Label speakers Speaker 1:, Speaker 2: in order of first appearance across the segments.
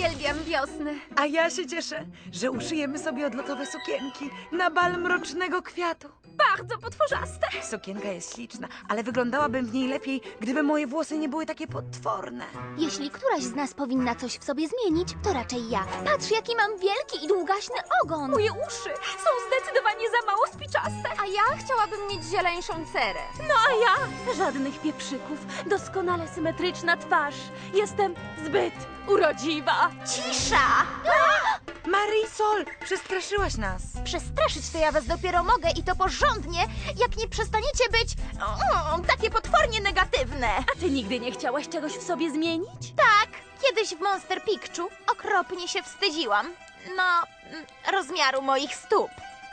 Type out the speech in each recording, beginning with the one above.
Speaker 1: Uwielbiam wiosnę.
Speaker 2: A ja się cieszę, że uszyjemy sobie odlotowe sukienki na bal mrocznego kwiatu.
Speaker 1: Bardzo potworzaste.
Speaker 2: Sukienka jest śliczna, ale wyglądałabym w niej lepiej, gdyby moje włosy nie były takie potworne.
Speaker 3: Jeśli któraś z nas powinna coś w sobie zmienić, to raczej ja. Patrz, jaki mam wielki i długaśny ogon.
Speaker 1: Moje uszy są zdecydowanie za mało spiczaste. A ja chciałabym mieć zieleńszą cerę.
Speaker 4: No a ja? Żadnych pieprzyków. Doskonale symetryczna twarz. Jestem zbyt urodziwa.
Speaker 3: Cisza!
Speaker 2: Marisol, przestraszyłaś nas.
Speaker 3: Przestraszyć to ja was dopiero mogę i to porządnie, jak nie przestaniecie być takie potwornie negatywne.
Speaker 4: A ty nigdy nie chciałaś czegoś w sobie zmienić?
Speaker 3: Tak, kiedyś w Monster Picchu okropnie się wstydziłam. Rozmiaru moich stóp.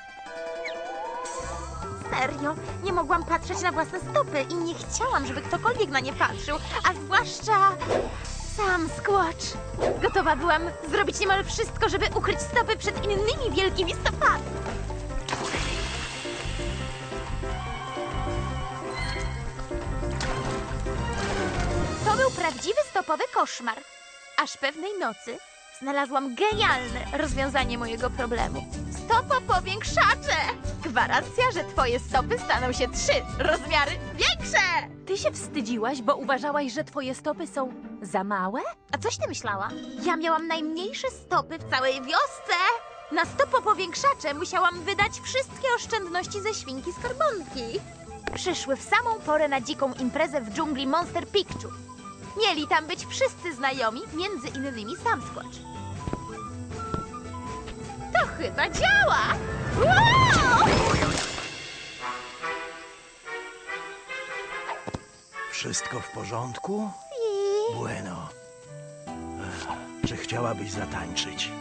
Speaker 3: Serio, nie mogłam patrzeć na własne stopy i nie chciałam, żeby ktokolwiek na nie patrzył, a zwłaszcza sam Squatch. Gotowa byłam zrobić niemal wszystko, żeby ukryć stopy przed innymi wielkimi stopami. To był prawdziwy stopowy koszmar. Aż pewnej nocy znalazłam genialne rozwiązanie mojego problemu. Stopopowiększacze! Gwarancja, że twoje stopy staną się 3 rozmiary większe!
Speaker 4: Ty się wstydziłaś, bo uważałaś, że twoje stopy są za małe?
Speaker 3: A coś ty myślała? Ja miałam najmniejsze stopy w całej wiosce! Na stopopowiększacze musiałam wydać wszystkie oszczędności ze świnki Skarbonki. Przyszły w samą porę na dziką imprezę w dżungli Monster Picchu. Mieli tam być wszyscy znajomi, między innymi sam Squatch. To chyba działa! Wow!
Speaker 5: Wszystko w porządku? Bueno. Czy chciałabyś zatańczyć?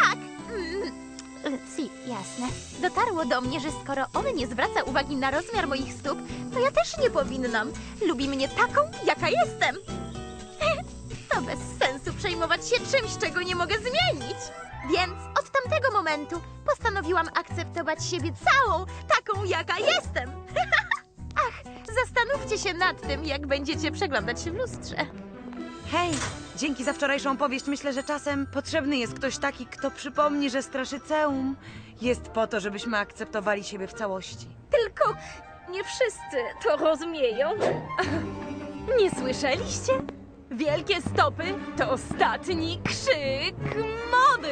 Speaker 3: Si, jasne. Dotarło do mnie, że skoro on nie zwraca uwagi na rozmiar moich stóp, to ja też nie powinnam. Lubi mnie taką, jaka jestem. To bez sensu przejmować się czymś, czego nie mogę zmienić. Więc od tamtego momentu postanowiłam akceptować siebie całą, taką, jaka jestem. Ach, zastanówcie się nad tym, jak będziecie przeglądać się w lustrze.
Speaker 2: Hej, dzięki za wczorajszą opowieść. Myślę, że czasem potrzebny jest ktoś taki, kto przypomni, że Straszyceum jest po to, żebyśmy akceptowali siebie w całości.
Speaker 4: Tylko nie wszyscy to rozumieją. Nie słyszeliście? Wielkie stopy to ostatni krzyk mody.